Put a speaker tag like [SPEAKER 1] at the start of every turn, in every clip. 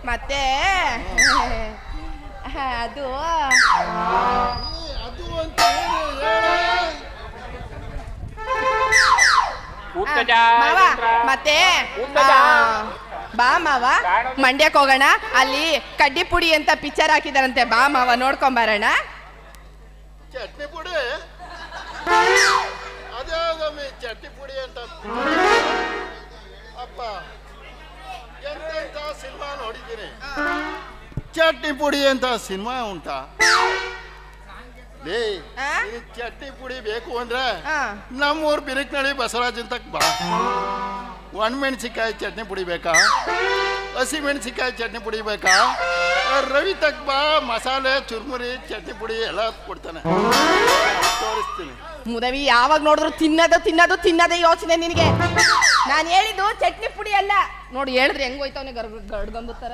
[SPEAKER 1] ಮತ್ತೆ ಅದು
[SPEAKER 2] ಅದು ಅಂತ
[SPEAKER 1] ಮಾವ ಮತ್ತೆ ಬಾ ಮಾವ ಮಂಡ್ಯಕ್ಕೆ ಹೋಗೋಣ. ಅಲ್ಲಿ ಕಡ್ಡಿ ಪುಡಿ ಅಂತ ಪಿಕ್ಚರ್ ಹಾಕಿದಾರಂತೆ, ಬಾ ಮಾವ ನೋಡ್ಕೊಂಬರೋಣ.
[SPEAKER 2] ಚಟ್ನಿ ಪುಡಿ ಅದೇ ಚಟ್ನಿ ಪುಡಿ ಅಂತ ಅಪ್ಪ ಎಂತ ಸಿನಿಮಾ ನೋಡಿದ್ದೀನಿ. ಚಟ್ನಿ ಪುಡಿ ಅಂತ ಸಿನಿಮಾ ಉಂಟಾ? ಚಟ್ನಿ ಪುಡಿ ಬೇಕು ಅಂದ್ರೆ ನಮ್ಮೂರ್ ಬಿರಿಕ್ನಳ್ಳಿ ಬಸವರಾಜ್ ಅಂತ ಬಾ. ಒಣಮೆಣಸಿಕಾಯಿ ಚಟ್ನಿ ಪುಡಿ ಬೇಕಾ? ಹಸಿ ಮೆಣಸಿಕಾಯಿ ಚಟ್ನಿ ಪುಡಿ ಬೇಕಾ? ರವಿ ತಕ್ ಬಾ, ಮಸಾಲೆ ಚುರ್ಮುರಿ ಚಟ್ನಿ ಪುಡಿ ಎಲ್ಲ ಕೊಡ್ತಾನೆ, ತೋರಿಸ್ತೀನಿ.
[SPEAKER 1] ಮುದವಿ ಯಾವಾಗ ನೋಡಿದ್ರು ತಿನ್ನೋದೇ ಯೋಚನೆ ನಿನಗೆ. ನಾನು ಹೇಳಿದ್ದು ಚಟ್ನಿ ಪುಡಿ ಅಲ್ಲ. ನೋಡಿ ಹೇಳಿದ್ರೆ ಹೆಂಗ್ ಹೋಯ್ತವನೆ ಗಡ್ಗಂಬುತ್ತಾರ.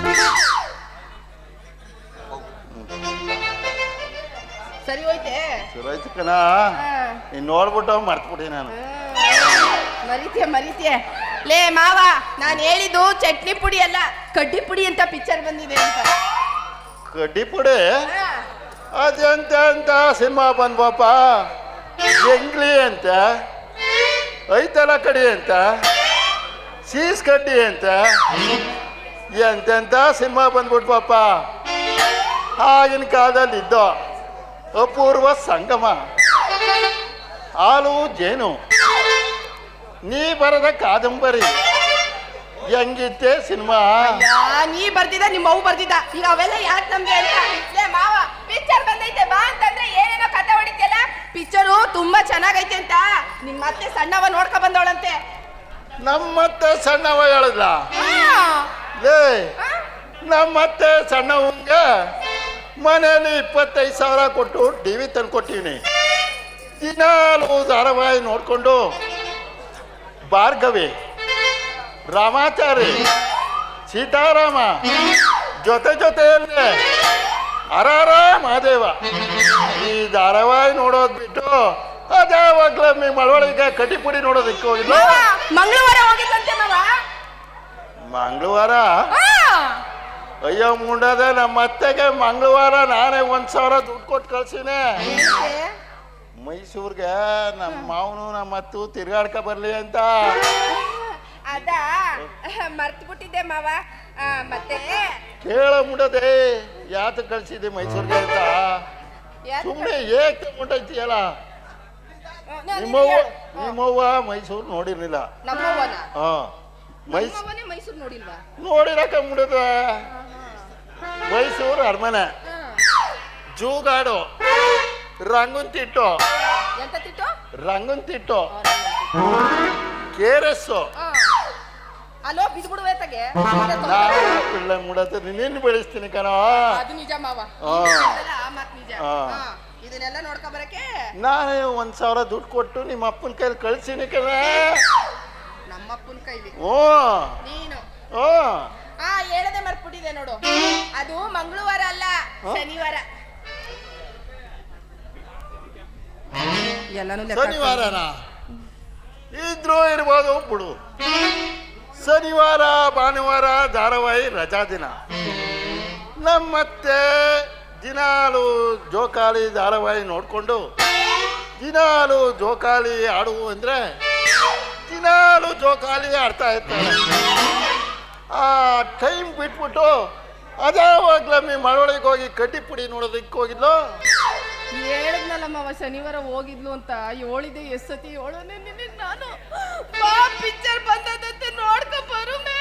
[SPEAKER 1] ಸರಿ ಹೋಯ್ತೆ?
[SPEAKER 2] ಸರಿ ಹೋಯ್ತು ಕಣ. ನೀನ್ ನೋಡ್ಬಿಟ್ಟು ಮರ್ತ್ಬಿಟ್ಟಿ ನಾನು.
[SPEAKER 1] ಮರಿತೀಯ ಲೇ ಮಾವ, ನಾನು ಹೇಳಿದ್ದು ಚಟ್ನಿ ಪುಡಿ ಅಲ್ಲ, ಕಡ್ಡಿ ಪುಡಿ ಅಂತ ಪಿಕ್ಚರ್ ಬಂದಿದೆ ಅಂತ.
[SPEAKER 2] ಕಡ್ಡಿ ಪುಡಿ ಅದೆಂತ ಅಂತ ಸಿನಿಮಾ ಬಂದ್ವಪ್ಪ. ಜಂಗ್ಲಿ ಅಂತ, ಐತಲ ಕಡಿ ಅಂತ, ಸೀಸ್ ಕಡ್ಡಿ ಅಂತ ಎಂತೆಂತ ಸಿನಿಮಾ ಬಂದ್ಬಿಟ್ವಪ್ಪ. ಆಗಿನ ಕಾಲದಲ್ಲಿ ಇದ್ದೋ ಅಪೂರ್ವ ಸಂಗಮ, ಹಾಲು ಜೇನು, ನೀ ಬರದ ಕಾದಂಬರಿ, ಹೆಂಗಿತ್ತೆ ಸಿನಿಮಾ.
[SPEAKER 1] ನೀ ಬರ್ದಿದ್ದ, ನಿಮ್ಮ ಅವು ಬರ್ದಿದ್ದ, ಈಗ ಅವೆಲ್ಲ ಯಾಕೆ ನಮ್ಗೆ ಅಂತ. ಮಾವ ಪಿಕ್ಚರ್ ಬಂದೈತೆ ಬಾ ಅಂತಂದ್ರೆ ಏನೇನೋ ಕತೆ ಹೊಡಿತಿಯಲ್ಲ. ಪಿಕ್ಚರು ತುಂಬಾ ಚೆನ್ನಾಗೈತೆ ಅಂತ ನಿಮ್ ಮತ್ತೆ ಸಣ್ಣವ ನೋಡ್ಕೊ ಬಂದವಳಂತೆ.
[SPEAKER 2] ನಮ್ಮತ್ತೆ ಸಣ್ಣವ ಹೇಳದ್ಲ? ನಮ್ಮತ್ತೆ ಸಣ್ಣವಂಗೆ ಮನೆಯಲ್ಲಿ 25,000 ಕೊಟ್ಟು ಟಿವಿ ತಂದ್ಕೊಟ್ಟಿವ್ನಿ. ದಿನಾಲು ಧಾರಾವಾಹಿ ನೋಡ್ಕೊಂಡು ಭಾರ್ಗವಿ, ರಾಮಾಚಾರಿ, ಸೀತಾರಾಮ ಜೊತೆಯಲ್ಲೇ ಹರಾರ ಮಹಾದೇವ ಈ ಧಾರಾವಾಹಿ ನೋಡೋದ್ ಬಿಟ್ಟು ಅದಾವಾಗ್ಲ ಮಳವಳಿಗೆ ಕಡ್ಡಿ ಪುಡಿ ನೋಡೋದಕ್ಕೆ ಹೋಗಿಲ್ಲ.
[SPEAKER 1] ಮಂಗಳವಾರ ಹೋಗಿದ್ದಂತೆ ಮಾವ.
[SPEAKER 2] ಮಂಗಳವಾರ? ಅಯ್ಯೋ ಮುಂಡದೆ, ನಮ್ಮ ಅತ್ತೆಗೆ ಮಂಗಳವಾರ ನಾನೇ 1,000 ದುಡ್ಡು ಕೊಟ್ಟು ಕಳ್ಸಿನೇ ಮೈಸೂರ್ಗೆ. ನಮ್ಮ ಮಾವನು ನಮ್ಮ ಅತ್ತು ತಿರ್ಗಾಡ್ಕ ಬರ್ಲಿ ಅಂತ.
[SPEAKER 1] ಅದ ಮರ್ತು ಬಿಟ್ಟಿದ್ದೆ ಮಾವ. ಮತ್ತೆ
[SPEAKER 2] ಕೇಳ ಮುಂಡದೆ ಯಾತ ಕಳ್ಸಿದ್ದೆ ಮೈಸೂರ್ಗೆ ಅಂತ. ಸುಮ್ಮನೆ ಏಕೆ ಮುಂಡೈತಿಯಲ್ಲ. ನಿಮ್ಮವ್ವ ಮೈಸೂರು ನೋಡಿರ್ಲಿಲ್ಲ.
[SPEAKER 1] ಮೈಸೂರು ನೋಡಿಲ್ವಾ?
[SPEAKER 2] ನೋಡಿರಕ ಮುಂಡದ. ಮೈಸೂರು ಅರಮನೆ, ಜೂಗಾಡು, ರಂಗುನ್ ತಿಟ್ಟು, KRS
[SPEAKER 1] ಅಲೋ ಬಿದ್ಬಿಡುವೆ ತಗೆ.
[SPEAKER 2] ಪಿಳ್ಳೆ ಮುಡತ್ತೆ ನಿನ್ನ ಬೆಳೆಸ್ತೀನಿ ಕಣೋ.
[SPEAKER 1] ಅದು ನಿಜ ಮಾವ, ಮತ್ ನಿಜ. ಇದನ್ನೆಲ್ಲ ನೋಡ್ಕೊ ಬರಕ್ಕೆ
[SPEAKER 2] ನಾನೇ 1,000 ದುಡ್ಡು ಕೊಟ್ಟು ನಿಮ್ಮ ಅಪ್ಪನ ಕೈಲಿ ಕಳ್ಸಿನಿ ಕಣ.
[SPEAKER 1] ನಮ್ಮಪ್ಪನ ಕೈಲಿ? ನೀನು ಹೇಳದೆ ಮರ್ಬಿಟ್ಟಿದೆ ನೋಡು. ಅದು ಮಂಗಳವಾರ ಅಲ್ಲ, ಶನಿವಾರ.
[SPEAKER 2] ಶನಿವಾರನ ಇದ್ರೂ ಇರ್ಬೋದು ಬಿಡು. ಶನಿವಾರ ಭಾನುವಾರ ಧಾರಾವಾಹಿ ರಜಾ ದಿನ. ನಮ್ಮತ್ತೆ ದಿನಾಲು ಜೋಕಾಲಿ ಧಾರಾವಾಹಿ ನೋಡ್ಕೊಂಡು ದಿನಾಲು ಜೋಕಾಲಿ ಆಡು ಅಂದ್ರೆ ದಿನಾಲು ಜೋಕಾಲಿ ಆಡ್ತಾ ಇರ್ತಾರೆ. ಆ ಟೈಮ್ ಬಿಟ್ಬಿಟ್ಟು ಅದಾವಾಗ್ಲಮ್ಮಿ ಮಳವಳಿಗೆ ಹೋಗಿ ಕಡ್ಡಿ ಪುಡಿ ನೋಡೋದಕ್ಕೆ ಹೋಗಿದ್ಲು.
[SPEAKER 1] ಹೇಳಿದ್ನಲ್ಲ ಮಾವ ಶನಿವಾರ ಹೋಗಿದ್ಲು ಅಂತ. ಹೇಳಿದೆ ಎಷ್ಟತಿ ಹೇಳೋನೆ ನಿನಗೆ ನಾನು. ಬಾ ಪಿಕ್ಚರ್ ಬಂದದಂತೆ ನೋಡ್ಕೊ ಬರುಮೆ.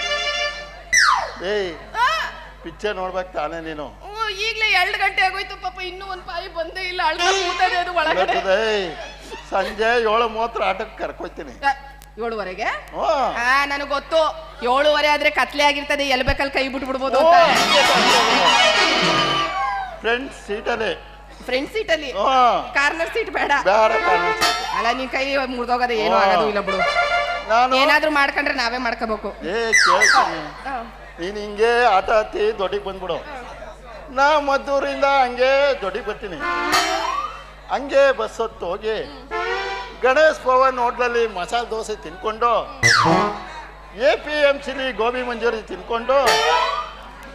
[SPEAKER 2] ಪಿಕ್ಚರ್ ನೋಡ್ಬೇಕು ತಾನೇ ನೀನು?
[SPEAKER 1] ಈಗಲೇ 2 ಗಂಟೆ ಆಗೋಯ್ತು ಪಾಪ, ಇನ್ನೂ ಒಂದು ಪಾಯಿ ಬಂದೇ ಇಲ್ಲ. ಅಳ್ತಾರೆ ಅದು ಒಳಗಡೆ.
[SPEAKER 2] ಸಂಜೆ 7:30 ಆಟಕ್ಕೆ ಕರ್ಕೊಯ್ತೀನಿ.
[SPEAKER 1] 7:30ಗೆ? ನನಗೆ ಗೊತ್ತು. 7:30 ಆದ್ರೆ ಕತ್ಲೆ ಆಗಿರ್ತದೆ, ಎಲ್ಲಿ ಬೇಕಲ್ಲಿ ಕೈ ಬಿಟ್ಬಿಡ್ಬೋದು ಅಂತ.
[SPEAKER 2] ಫ್ರೆಂಡ್ಸ್ ಸೀಟಲ್ಲಿ
[SPEAKER 1] ಕಾರ್ನರ್ ಸೀಟ್ ಬೇಡ. ಅಲ್ಲ ನೀನ್ ಕೈ ಮುರಿದೋಗದೆ ಏನು ಆಗೋದು ಇಲ್ಲ ಬಿಡು. ಏನಾದ್ರೂ ಮಾಡ್ಕೊಂಡ್ರೆ ನಾವೇ ಮಾಡ್ಕೋಬೇಕು.
[SPEAKER 2] ನೀನ್ ಹಿಂಗೆ ಆಟ ಹತ್ತಿ ದೊಡ್ಡಿಗೆ ಬಂದ್ಬಿಡು. ನಾ ಮದ್ದೂರಿಂದ ಹಂಗೆ ದೊಡ್ಡಿಗೆ ಬರ್ತೀನಿ. ಹಂಗೆ ಬಸ್ ಹೊತ್ತು ಹೋಗಿ ಗಣೇಶ್ ಭವನ್ ಹೋಟ್ಲಲ್ಲಿ ಮಸಾಲೆ ದೋಸೆ ತಿನ್ಕೊಂಡು APMCಲಿ ಗೋಬಿ ಮಂಚೂರಿ ತಿನ್ಕೊಂಡು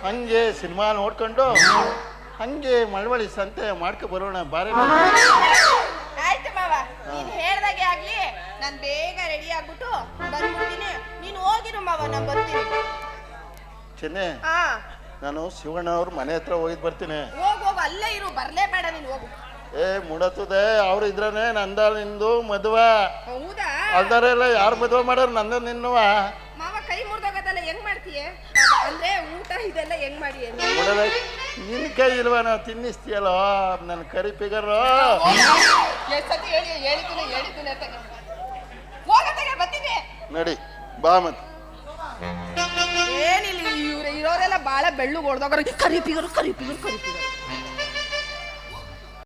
[SPEAKER 2] ಹಂಗೆ ಸಿನಿಮಾ ನೋಡ್ಕೊಂಡು ಹಂಗೆ ಮಳವಳ್ಳಿ ಸಂತೆ ಮಾಡ್ಕೊ ಬರೋಣ ಬಾರಿ.
[SPEAKER 1] ಆಯ್ತು ಮಾವ, ನೀನ್ ಹೇಳ್ದಾಗೆ ಆಗ್ಲಿ. ನಾನ್ ಬೇಗ ರೆಡಿ ಆಗ್ಬಿಟ್ಟು ಬಂದ್ಬಿಡ್ತೀನಿ. ನೀನು ಹೋಗಿರು ಮಾವ, ನಾನ್ ಬರ್ತೀನಿ.
[SPEAKER 2] ಚೆನ್ನೆ,
[SPEAKER 1] ಹಾ
[SPEAKER 2] ನಾನು ಶಿವಣ್ಣ ಅವ್ರ ಮನೆ ಹತ್ರ ಹೋಗಿದ್ ಬರ್ತೀನಿ.
[SPEAKER 1] ಹೋಗು, ಅಲ್ಲೇ ಇರು, ಬರ್ಲೇಬೇಡ ನೀನು, ಹೋಗು.
[SPEAKER 2] ಮುಡತ್ತದೆ, ಅವ್ರು ಇದ್ರನೆ ನಂದ ನಿಂದು ಮದುವ.
[SPEAKER 1] ಹೌದಾ?
[SPEAKER 2] ಅಲ್ದಾರೆಲ್ಲ ಯಾರು ಮದುವೆ ಮಾಡೋರು ನಂದ ನಿನ್ನುವ.
[SPEAKER 1] ಮಾವ ಕೈ ಮುರಿದೋಗೋದಲ್ಲ ಹೆಂಗ್ ಮಾಡ್ತೀಯ? ಅಂದ್ರೆ ಊಟ ಇದೆಲ್ಲ ಹೆಂಗ್ ಮಾಡಿ?
[SPEAKER 2] ನಿನ್ ಕೈ ಇಲ್ವಾ? ನಾವು ತಿನ್ನಿಸ್ತೀಯಲ್ಲೋ ನನ್ನ ಕರಿ ಫಿಗರು.
[SPEAKER 1] ಎಷ್ಟತಿ ಹೇಳಿದ್ದೀನಿ ಅಂತ ಹೋಗತ್ತಾಗೆ ಬರ್ತೀನಿ.
[SPEAKER 2] ನಡಿ ಬಾ ಮತ್ತೆ.
[SPEAKER 1] ಏನಿಲ್ಲ, ಇವ್ರು ಇರೋರೆಲ್ಲ ಬಾಳ ಬೆಳ್ಳು ಹೊಡೆದೋಗ್ರ. ಕರಿ ಫಿಗರು